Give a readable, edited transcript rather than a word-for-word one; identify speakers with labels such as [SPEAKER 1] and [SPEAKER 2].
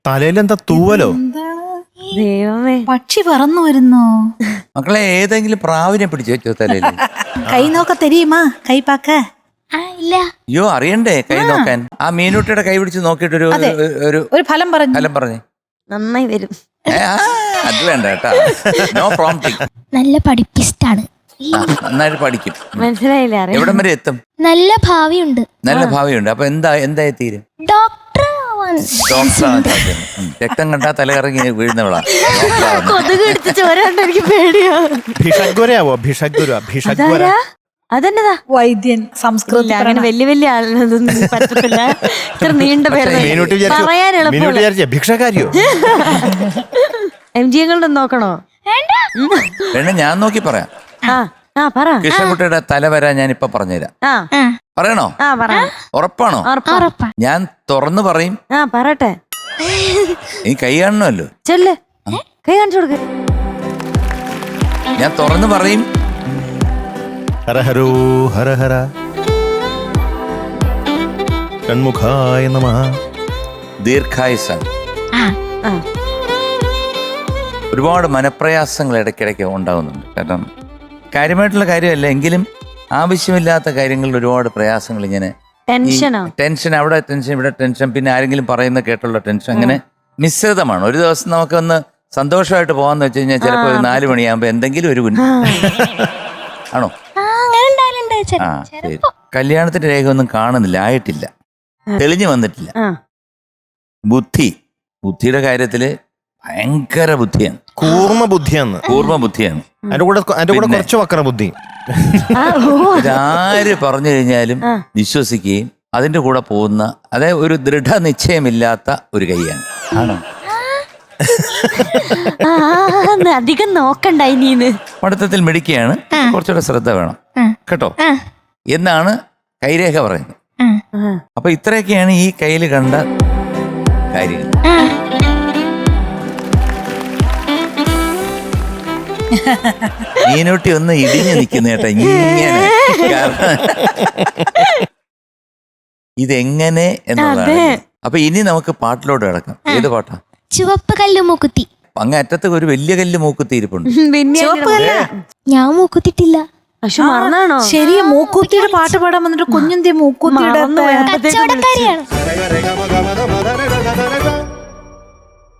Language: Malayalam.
[SPEAKER 1] തലയിലെന്താ തൂവലോ?
[SPEAKER 2] ദൈവമേ,
[SPEAKER 3] പക്ഷി പറന്നു വരുന്നു.
[SPEAKER 4] മക്കളെ ഏതെങ്കിലും പ്രാവിനെ പിടിച്ചു വെച്ചോ തലയിൽ?
[SPEAKER 3] കൈ നോക്ക തെരിയുമാ? കൈ പാക്ക
[SPEAKER 5] ഇല്ല.
[SPEAKER 4] അയ്യോ അറിയണ്ടേ കൈ നോക്കാൻ? ആ മീനൂട്ടിയുടെ കൈ പിടിച്ച് നോക്കിയിട്ട്
[SPEAKER 3] ഒരു ഫലം പറഞ്ഞു.
[SPEAKER 4] ഫലം പറഞ്ഞേ.
[SPEAKER 2] നന്നായി വരും.
[SPEAKER 4] അത് വേണ്ട കേട്ടാ, നോ പ്രോംപ്റ്റിംഗ്.
[SPEAKER 5] നല്ല പഠിപ്പിസ്റ്റാണ്.
[SPEAKER 4] നന്നായിട്ട് പഠിക്കും.
[SPEAKER 2] മനസ്സിലായില്ലേ?
[SPEAKER 4] എവിടം വരെ എത്തും?
[SPEAKER 5] നല്ല ഭാവിയുണ്ട്.
[SPEAKER 4] നല്ല ഭാവിയുണ്ട്. അപ്പൊ എന്തായി തീരും?
[SPEAKER 5] ഡോക്ടർ ആവാൻ.
[SPEAKER 4] രക്തം കണ്ടാ തലകറങ്ങി വീഴുന്നവളാ.
[SPEAKER 2] കൊതുക് എടുത്ത് ചോരാണ്ട് എനിക്ക് പേടിയാ.
[SPEAKER 1] ഭിഷഗ്വരയാവോ? ഭിഷഗ്വര
[SPEAKER 2] അതെന്നതാ?
[SPEAKER 3] വൈദ്യൻ. സംസ്കൃതം.
[SPEAKER 2] അങ്ങനെ വലിയ ആളൊന്നും പറ്റത്തില്ല. ഇത്ര നീണ്ട പേര് പറയാൻ എളുപ്പമല്ല.
[SPEAKER 1] ഭിക്ഷക്കാരിയോ?
[SPEAKER 2] MG ങ്ങളുടെ നോക്കണോ?
[SPEAKER 4] വേണ്ട, ഞാൻ നോക്കി പറയാം.
[SPEAKER 2] പറ.
[SPEAKER 4] കൃഷ്ണൻകുട്ടിയുടെ തല വരാൻ ഞാൻ ഇപ്പൊ പറഞ്ഞുതരാം. പറയണോ? ഉറപ്പാണോ? ഞാൻ തുറന്നു പറയും.
[SPEAKER 2] പറട്ടെ.
[SPEAKER 4] നീ കൈ കാണണമല്ലോ.
[SPEAKER 2] ചെല്ല്, കൈ കാണിച്ചു കൊടുക്ക.
[SPEAKER 4] ഞാൻ തുറന്നു പറയും.
[SPEAKER 1] ഹരഹരോ ഹരഹര ഷൺമുഖായ നമഃ.
[SPEAKER 4] ദീർഘായുസാണ്. ഒരുപാട് മനപ്രയാസങ്ങൾ ഇടയ്ക്കിടയ്ക്ക് ഉണ്ടാകുന്നുണ്ട്. കാരണം കാര്യമായിട്ടുള്ള കാര്യമല്ല, എങ്കിലും ആവശ്യമില്ലാത്ത കാര്യങ്ങളിൽ ഒരുപാട് പ്രയാസങ്ങൾ. ഇങ്ങനെ ടെൻഷൻ, അവിടെ ടെൻഷൻ, ഇവിടെ ടെൻഷൻ, പിന്നെ ആരെങ്കിലും പറയുന്ന കേട്ടുള്ള ടെൻഷൻ, അങ്ങനെ മിശ്രിതമാണ്. ഒരു ദിവസം നമുക്കൊന്ന് സന്തോഷമായിട്ട് പോകാന്ന് വെച്ച് കഴിഞ്ഞാൽ ചിലപ്പോൾ ഒരു 4 മണിയാകുമ്പോ എന്തെങ്കിലും ഒരു ആണോ? ആ ശരി. കല്യാണത്തിന്റെ രേഖ ഒന്നും കാണുന്നില്ല, ആയിട്ടില്ല, തെളിഞ്ഞു വന്നിട്ടില്ല. ബുദ്ധിയുടെ കാര്യത്തില് ഭയങ്കര ബുദ്ധിയാണ്. കൂർമ്മ ബുദ്ധിയാണ്.
[SPEAKER 1] അതിന്റെ കൂടെ കുറച്ച് വക്ര ബുദ്ധി.
[SPEAKER 4] ഇതാര് പറഞ്ഞു കഴിഞ്ഞാലും വിശ്വസിക്കുകയും അതിന്റെ കൂടെ പോകുന്ന, അതായത് ഒരു ദൃഢനിശ്ചയമില്ലാത്ത ഒരു കൈയാണ്. ആണോ?
[SPEAKER 2] അധികം നോക്കണ്ട. ഇനി
[SPEAKER 4] പഠിത്തത്തിൽ മിടുക്കിയാണ്, കുറച്ചുകൂടെ ശ്രദ്ധ വേണം കേട്ടോ എന്നാണ് കൈരേഖ പറയുന്നത്. അപ്പൊ ഇത്രയൊക്കെയാണ് ഈ കയ്യിൽ കണ്ട കാര്യങ്ങൾ. മീനൂട്ടി ഒന്ന് ഇടിഞ്ഞു നിൽക്കുന്ന കേട്ടോ ഇങ്ങനെ. ഇതെങ്ങനെ എന്നുള്ളതാണ്. അപ്പൊ ഇനി നമുക്ക് പാട്ടിലോട്ട് കിടക്കാം. ഏത് പാട്ടാ?
[SPEAKER 5] ചുവപ്പ് കല്ല് മൂക്കുത്തി.
[SPEAKER 4] അങ്ങ് അറ്റത്ത് ഒരു വലിയ കല്ല് മൂക്കുത്തി ഇരിപ്പുണ്ട്.
[SPEAKER 5] ഞാൻ മൂക്കുത്തിട്ടില്ല.
[SPEAKER 2] പക്ഷെ മറന്നാണോ?
[SPEAKER 3] ശരി, മൂക്കൂത്തിയുടെ പാട്ട് പാടാൻ വന്നിട്ട് കുഞ്ഞുന്തി മൂക്കൂത്തിയുടെ
[SPEAKER 5] കച്ചവടക്കാരിയാണ്.